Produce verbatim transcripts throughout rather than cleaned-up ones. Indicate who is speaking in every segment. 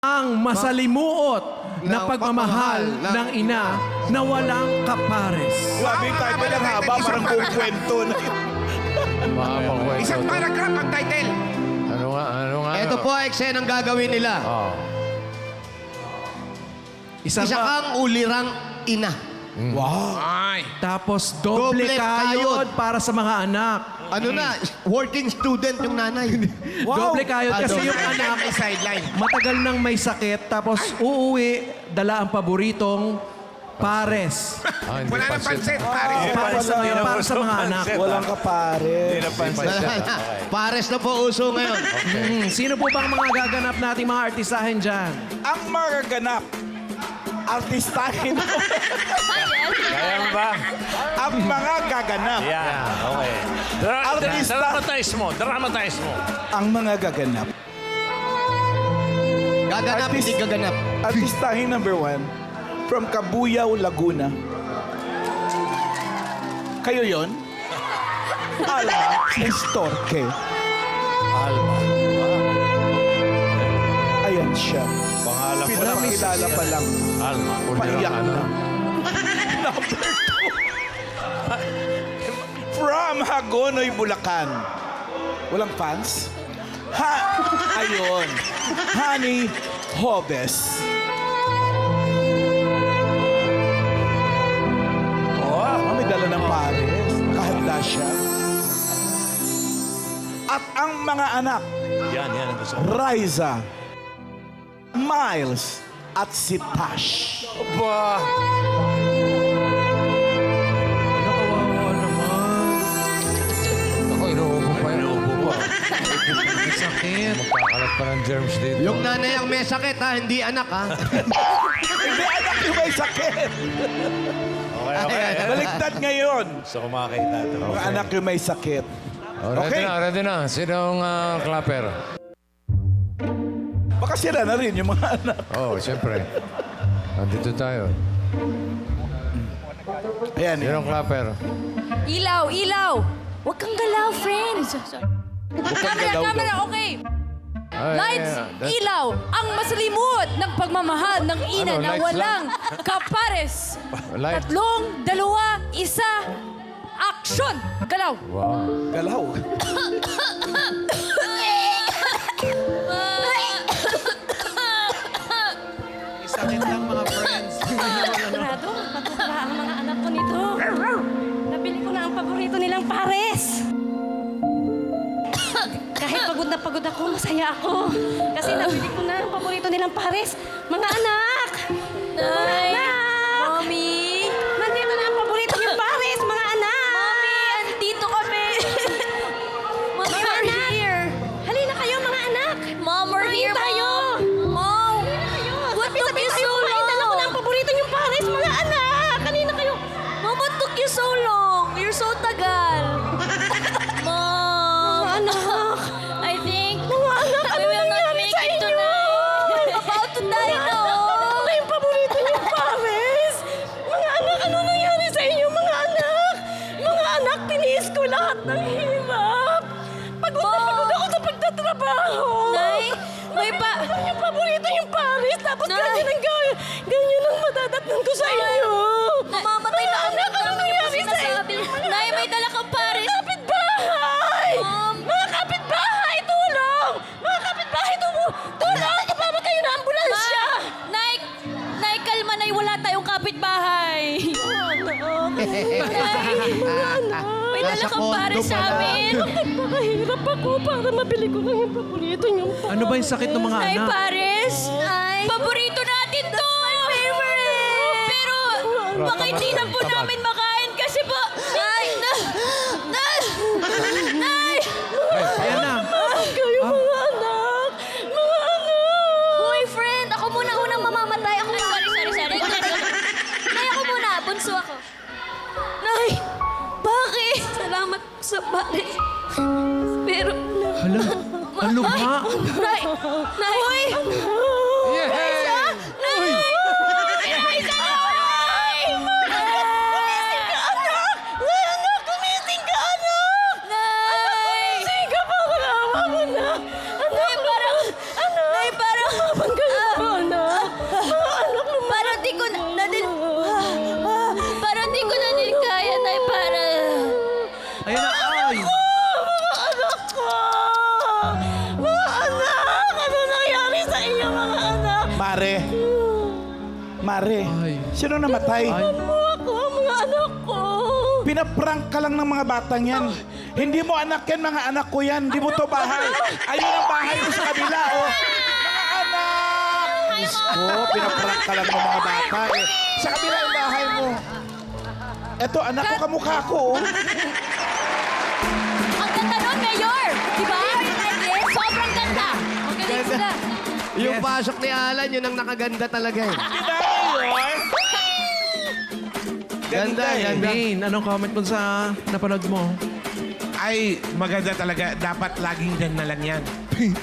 Speaker 1: ang masalimuot na
Speaker 2: Ng
Speaker 1: pagmamahal
Speaker 2: pagmamahal
Speaker 1: ng ina na walang kapares.
Speaker 3: Grabe yung title ang haba, parang buong kwento na yun.
Speaker 4: Mahabang kwento.
Speaker 5: Isang paragraph ang title.
Speaker 4: Ano nga, ano nga?
Speaker 2: Ito po ay eksenang gagawin nila.
Speaker 4: Oh.
Speaker 1: Isa,
Speaker 2: Isa
Speaker 1: pa,
Speaker 2: kang ulirang ina.
Speaker 3: Wow.
Speaker 5: Ay.
Speaker 1: tapos doble,
Speaker 2: Doble
Speaker 1: kayod
Speaker 2: kayod.
Speaker 1: para sa mga anak.
Speaker 2: Ano na, working student yung nanay.
Speaker 1: Doble kayod
Speaker 2: Ah,
Speaker 1: kasi
Speaker 2: doble.
Speaker 1: yung anak
Speaker 5: May sideline.
Speaker 1: matagal nang may sakit tapos uuwi, dala ang paboritong pares.
Speaker 4: Ah, hindi
Speaker 5: Wala nang
Speaker 4: pansit.
Speaker 5: pansit, pare.
Speaker 1: Oh, pares na ngayon para sa mga anak.
Speaker 3: Walang kapare.
Speaker 2: Wala na. Pares na po uso ngayon.
Speaker 1: Hmm, sino po bang mga gaganap nating mga artisahin dyan?
Speaker 3: Ang magaganap, artistahin mo.
Speaker 6: Kaya mo ba?
Speaker 3: Ang mga gaganap,
Speaker 6: Yan, okay. Dra-
Speaker 3: Artista.
Speaker 6: Dramatize mo, dramatize mo.
Speaker 3: ang mga gaganap.
Speaker 2: Gaganap,
Speaker 3: Artist-
Speaker 2: hindi gaganap.
Speaker 3: Artistahin number one, from Cabuyao, Laguna. Kayo yon? Alma Estorque.
Speaker 4: Alma.
Speaker 3: Ayan siya.
Speaker 6: Pangalan ko lang.
Speaker 3: Pinakilala pa lang.
Speaker 6: Alma.
Speaker 3: Paiyak
Speaker 4: ano?
Speaker 3: na. Number two. From Hagonoy, Bulacan. Walang fans? Ha! Ayun. Honey Hobes. Oh, may dala ng pares. Nakahanda siya. At ang mga anak,
Speaker 6: Yan, yan ang gusto ko.
Speaker 3: Riza, Miles, at si Tash.
Speaker 6: Ba?
Speaker 1: Ano, kawawa naman.
Speaker 4: Ako, inuubo pa yun.
Speaker 6: Inuubo pa.
Speaker 1: May sakit.
Speaker 4: Magkakalat pa ng germs dito.
Speaker 2: Yung nanay ang may sakit ha, hindi anak ha.
Speaker 3: Hindi anak yung may sakit.
Speaker 6: Okay, okay.
Speaker 3: Baliktad ngayon.
Speaker 6: Gusto ko makakita ito.
Speaker 3: Mga anak yung may sakit.
Speaker 4: Oh, ready
Speaker 3: Okay.
Speaker 4: na, ready na. Sinong uh, clapper?
Speaker 3: Baka sila na rin yung mga anak.
Speaker 4: Oh, siyempre. Nandito tayo.
Speaker 3: Ayan,
Speaker 4: Sinong clapper?
Speaker 7: Ilaw, ilaw! Huwag kang galaw, friend. Camera,
Speaker 3: galaw
Speaker 7: camera, okay.
Speaker 4: Ay,
Speaker 7: Lights,
Speaker 4: yeah, that-
Speaker 7: ilaw, ang masalimuot ng pagmamahal ng ina
Speaker 4: Ano,
Speaker 7: na
Speaker 4: lights
Speaker 7: walang kapares.
Speaker 4: Light.
Speaker 7: Tatlong, dalawa, isa, action! Galaw!
Speaker 4: Wow.
Speaker 3: galaw.
Speaker 1: May sakit lang mga friends.
Speaker 8: Sigurado, matutuwa ang mga anak ko nito. Nabili ko na ang paborito nilang pares. Kahit pagod na pagod ako, masaya ako. Kasi nabili ko na ang paborito nilang pares. Mga anak! Mga anak!
Speaker 7: Mommy!
Speaker 8: Nandito na ang paborito niyong pares, mga anak!
Speaker 7: Mommy, andito kami! Mommy,
Speaker 8: Mga
Speaker 7: we're
Speaker 8: anak!
Speaker 7: here!
Speaker 8: Halina kayo, mga anak!
Speaker 7: Mom, we're
Speaker 8: Kumain
Speaker 7: here,
Speaker 8: tayo!
Speaker 7: Mom!
Speaker 8: Kayo,
Speaker 7: What took
Speaker 8: sabi-sabi
Speaker 7: you
Speaker 8: tayo,
Speaker 7: so
Speaker 8: kumain. Dala ko na ang
Speaker 7: long?
Speaker 8: paborito niyong pares, mga anak! Kanina kayo.
Speaker 7: Mom, what took you so long? You're so tagal. Mom!
Speaker 8: Mga anak!
Speaker 7: I think
Speaker 8: Mga anak, ano
Speaker 7: we will not
Speaker 8: nangyari
Speaker 7: make
Speaker 8: sa
Speaker 7: it
Speaker 8: inyo?
Speaker 7: tonight. About to die
Speaker 8: Mga
Speaker 7: na.
Speaker 8: anak, ano na yung paborito niyong pares? Mga anak, ano nangyari sa inyo, mga anak? Mga anak, tiniis ko lahat ng hirap. Pagod na pagod ako sa pagtatrabaho.
Speaker 7: Nay, may pa...
Speaker 8: Ano yung paborito yung pares? Tapos
Speaker 7: Nay.
Speaker 8: ganyan ang ganyan, ganyan ang madadatnan ko sa inyo.
Speaker 7: Mamamatay na
Speaker 8: Mga
Speaker 7: kami.
Speaker 8: anak, ano nangyari sa inyo?
Speaker 7: Sinasabi. Nay, may dala kang pares.
Speaker 8: Mga kapitbahay!
Speaker 7: Mom.
Speaker 8: Mga kapitbahay, tulong! Mga kapitbahay, tulong! Tulong! Ipamag kayo na ambulansya!
Speaker 7: Nay, Nay, kalma, Nay. Wala tayong kapitbahay. May dala
Speaker 2: Nasa
Speaker 7: kang
Speaker 2: kondo
Speaker 7: pares sa
Speaker 2: pala.
Speaker 7: amin.
Speaker 8: Nagpakahirap ako para mabili ko lang yung paborito niyong pares.
Speaker 1: Ano ba yung sakit ng mga
Speaker 7: Nay,
Speaker 1: anak?
Speaker 7: pares. Paborito natin to. favorite. Pero, baka hindi na po
Speaker 4: Tamad.
Speaker 7: namin makain kasi po... Nay! Na, na, Nay!
Speaker 1: Ayan na.
Speaker 8: Kayo mga anak! Mga anak!
Speaker 7: Hoy, friend! Ako muna unang mamamatay. Ako muna. Sorry, sorry, sorry. Nay, ako muna. Bunso ako. Nay! Bakit? Salamat sa pare. Pero...
Speaker 1: Hala, ano ba?
Speaker 7: Nay! Nay! Hoy!
Speaker 4: Yay!
Speaker 7: Nay! Nay! Nay!
Speaker 8: Gumising ka, anak! Mga anak, gumising ka, anak!
Speaker 7: Nay!
Speaker 8: Gumising ka pa, awa mo na! Anak,
Speaker 7: Nay, parang...
Speaker 8: anak!
Speaker 7: Nay, parang...
Speaker 8: Laban kayo,
Speaker 3: Mare. Mare.
Speaker 1: Ay.
Speaker 3: Sino namatay?
Speaker 8: Mo ako, ang mga anak ko.
Speaker 3: Pinaprank ka lang ng mga batang yan. Hindi mo anak yan, mga anak ko yan. Hindi mo to bahay. Ayun ang bahay mo sa kabila, oh. Mga anak! Diyos ko, pinaprank ka lang ng mga bata, eh. Sa kabila ang bahay mo. Eto, anak ko, kamukha ko, oh.
Speaker 7: Ang ganda nun, Mayor! Di ba? Sobrang ganda! Ang galing sila.
Speaker 2: Yung
Speaker 1: Yes.
Speaker 2: pasok ni Alan, yun ang nakaganda talaga eh.
Speaker 3: Diba, Mayor?
Speaker 2: Ganda,
Speaker 3: eh.
Speaker 2: ganda.
Speaker 1: Main, anong comment mo sa napanood mo?
Speaker 5: Ay, maganda talaga. Dapat laging gan na lang yan.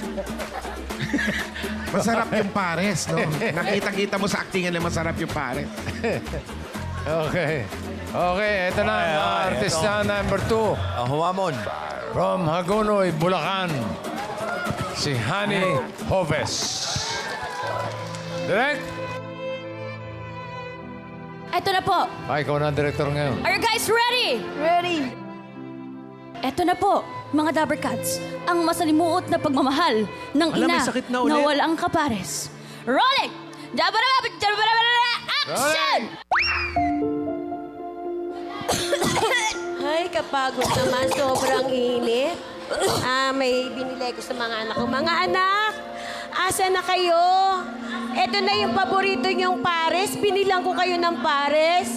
Speaker 5: Masarap yung pares, no? Nakita-kita mo sa actingan na masarap yung pares.
Speaker 4: Okay. Okay, ito na ang
Speaker 6: Okay, okay,
Speaker 4: artista number two.
Speaker 6: Ang humamon.
Speaker 4: From Hagonoy, Bulacan. Si Honey Hoves. Direct?
Speaker 7: Ito na po.
Speaker 4: Ay, ikaw na ang director ngayon.
Speaker 7: Are you guys ready? Ready. Ito na po, mga Dabber Cats. Ang masalimuot na pagmamahal ng
Speaker 1: Alam,
Speaker 7: ina
Speaker 1: may sakit na ulit.
Speaker 7: walang kapares. Rolling! Dabba-dabba! Dabba-dabba! Action!
Speaker 8: Ay, kapagod naman. Sobrang init. Ah, may binili ko sa mga anak ko. Mga anak, asa na kayo? Ito na yung paborito niyong pares. Binilang ko kayo ng pares.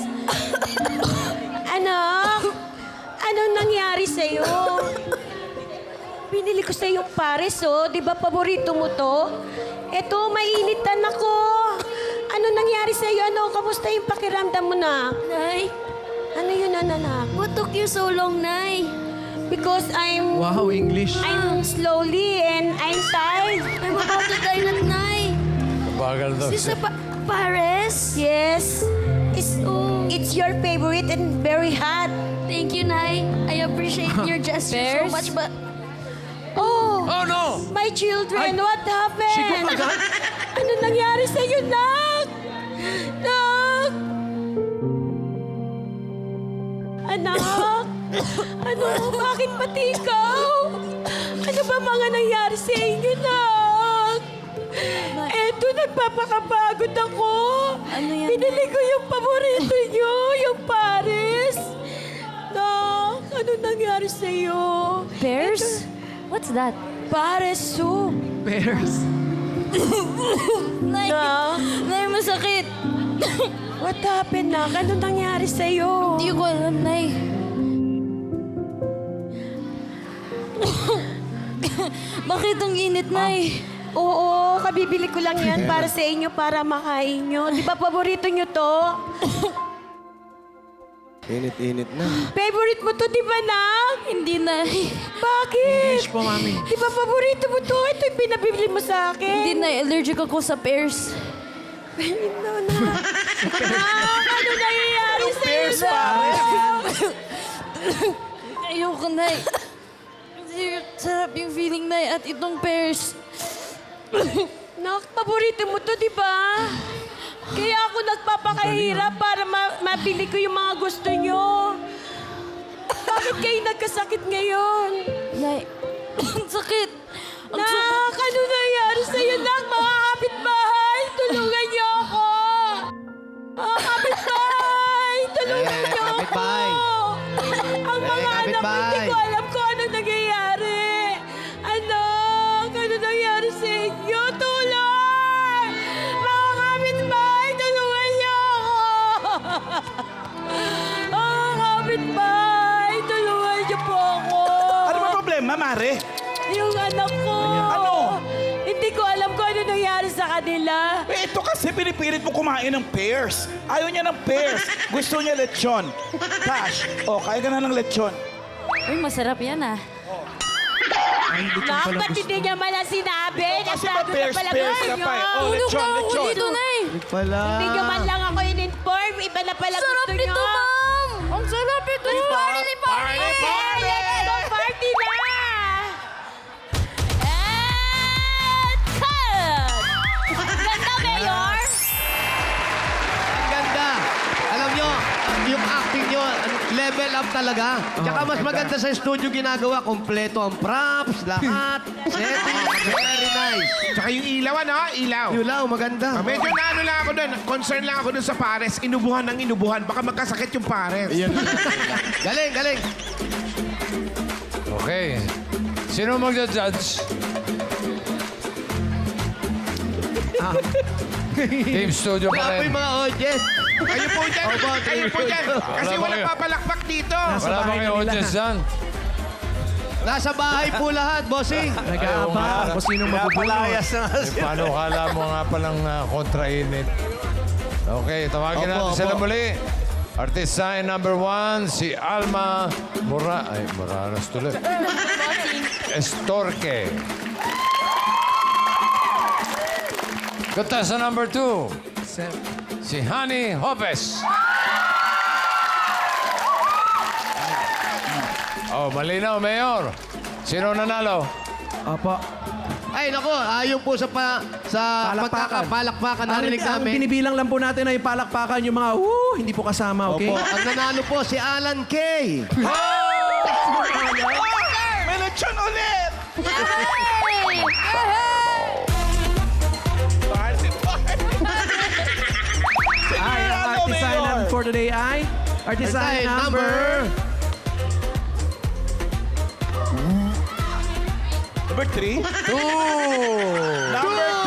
Speaker 8: Anak, anong nangyari sa'yo? Binili ko sa'yo yung pares, oh. Di ba paborito mo to? Eto, mainitan ako. Ano nangyari sa'yo? Ano, kamusta yung pakiramdam mo na?
Speaker 7: Nay,
Speaker 8: Ano yun, anak?
Speaker 7: what took you so long, Nay?
Speaker 8: Because I'm
Speaker 1: Wow, English.
Speaker 8: I'm slowly and I'm tired.
Speaker 7: I'm about to die na, Nay.
Speaker 4: Bagal daw
Speaker 7: Is this
Speaker 4: siya.
Speaker 7: a pa- Pares?
Speaker 8: Yes. It's
Speaker 7: Oh.
Speaker 8: it's your favorite and very hot.
Speaker 7: Thank you, Nay. I appreciate your gesture so
Speaker 8: Bears?
Speaker 7: much, but...
Speaker 8: Oh,
Speaker 4: Oh, no!
Speaker 8: my children,
Speaker 1: Ay,
Speaker 8: what happened?
Speaker 1: Sigo agad?
Speaker 8: Ano nangyari sa iyo, Nak? Nak? Anak? Ano? Bakit pati ikaw? Ano ba mga nangyari sa inyo, Nak? Eto, nagpapakapagod ako.
Speaker 7: Ano yan,
Speaker 8: Binili ko yung paborito niyo, yung Paris. Nak, ano nangyari sa iyo?
Speaker 7: Bears? What's that?
Speaker 8: Pares soup.
Speaker 1: Bears.
Speaker 7: Nay,
Speaker 8: Nak,
Speaker 7: Nay, masakit.
Speaker 8: what happened, Nak? Ano nangyari sa iyo?
Speaker 7: Hindi ko alam, Nay. Bakit ang init, Nay?
Speaker 8: Oo, kabibili ko lang yan para sa inyo, para makain nyo. Di ba paborito nyo to?
Speaker 2: Init-init na.
Speaker 8: Favorite mo to, di ba, Nak?
Speaker 7: Hindi, Nay.
Speaker 8: Bakit?
Speaker 1: English po, mami.
Speaker 8: Di ba paborito mo to? Ito yung pinabibili mo sa
Speaker 7: Hindi,
Speaker 8: akin.
Speaker 7: Nay. Allergic ako sa pears.
Speaker 8: No, Nak. Nak, ano nangyayari sa iyo,
Speaker 3: Pears,
Speaker 8: Nak?
Speaker 7: Ayoko, Nay. Kasi sarap yung feeling, Nay. At itong pears.
Speaker 8: Nak, paborito mo to, di ba? Kaya ako nagpapakahirap para ma- mabili ko yung mga gusto nyo. Bakit kayo nagkasakit ngayon?
Speaker 7: Nay, ang sakit. Ang sakit.
Speaker 8: Nak, ano nangyari sa'yo, Nak? Mga kapitbahay, tulungan niyo ako! Mga kapitbahay, tulungan
Speaker 2: Eh,
Speaker 8: niyo ako!
Speaker 2: kapitbahay.
Speaker 8: Ang
Speaker 2: Eh,
Speaker 8: mga anak ko,
Speaker 2: kapitbahay.
Speaker 8: hindi ko alam kung ano nangyayari. Anak, ano nangyari sa inyo? Tulong! Mga kapitbahay, tulungan niyo ako! Mga kapitbahay, tulungan niyo po ako!
Speaker 3: Ano ba problema, Mare?
Speaker 8: Yung anak ko.
Speaker 3: Ano?
Speaker 8: Hindi ko alam kung ano nangyari sa kanila.
Speaker 3: Eh, ito kasi pinipilit mo kumain ng pears. Ayaw niya ng pears. Gusto niya lechon. Tash, oh, kaya ka na ng lechon.
Speaker 7: Uy, masarap yan, ah.
Speaker 8: Nak, ba't hindi niya malang sinabi?
Speaker 3: Kasi
Speaker 8: Nagtago
Speaker 3: ba pears,
Speaker 8: na pala
Speaker 3: pears
Speaker 8: kayo.
Speaker 3: ka pa eh. Oh,
Speaker 7: Tulog
Speaker 3: lechon,
Speaker 7: na ako
Speaker 3: lechon.
Speaker 7: dito, Nay.
Speaker 2: Wala.
Speaker 8: Hindi niyo man lang ako in-inform. Iba na pala
Speaker 7: Sarap
Speaker 8: gusto niyo.
Speaker 7: nito, Ma'am. Ang sarap ito. Party, party.
Speaker 8: Party! Party na!
Speaker 7: And cut! Ganda, Mayor.
Speaker 2: Ang ganda. Alam nyo, yung acting nyo, level up talaga. Tsaka mas maganda sa studio ginagawa. Kompleto ang props, lahat. Setting. Very nice.
Speaker 5: Tsaka yung ilaw, ano? Ilaw.
Speaker 2: Yun lang, maganda.
Speaker 5: Ah, medyo na ano lang ako doon. Concern lang ako doon sa pares. Inubuhan ng inubuhan. Baka magkasakit yung pares.
Speaker 2: Galing, galing.
Speaker 4: Okay. Sino magja-judge? Team Studio
Speaker 2: Wala
Speaker 4: pa
Speaker 2: po
Speaker 4: rin.
Speaker 2: yung mga audience.
Speaker 5: Kayo po dyan.
Speaker 2: Opo,
Speaker 5: Kayo po dyan. Kasi
Speaker 4: Wala ba
Speaker 5: walang
Speaker 4: kayo?
Speaker 5: papalakpak dito.
Speaker 4: Wala ba kayo audience dyan?
Speaker 2: Nasa bahay po lahat, bossing.
Speaker 1: Nag-aabang kung sinong mabubulot.
Speaker 6: Pinapalayas na nga
Speaker 4: Eh,
Speaker 6: siya.
Speaker 4: paano kala mo nga palang uh, kontrainit? Okay, tawagin
Speaker 2: Opo,
Speaker 4: natin sila
Speaker 2: opo.
Speaker 4: muli. Artisan number one, si Alma Mora... Ay, Moranos tuloy. Estorque. Contestant number two, si Hani Hopes. Oh, malinaw, Mayor. Sino nanalo?
Speaker 1: Opo.
Speaker 2: Ay, nako, ayon po sa pa, sa
Speaker 1: Palakpakan.
Speaker 2: pagkakapalakpakan
Speaker 1: Ang,
Speaker 2: narinig
Speaker 1: ang
Speaker 2: namin.
Speaker 1: binibilang lang po natin ay palakpakan yung mga woo, hindi po kasama, okay?
Speaker 2: Opo, ang nanalo po si Alan K.
Speaker 3: May lechon ulit!
Speaker 7: Yay!
Speaker 3: Party, party!
Speaker 1: Ay, ang
Speaker 3: Ano,
Speaker 1: artisan
Speaker 3: Mayor?
Speaker 1: natin for today ay artisan
Speaker 2: Artisan
Speaker 1: number...
Speaker 3: Number three?
Speaker 4: Two.
Speaker 3: Number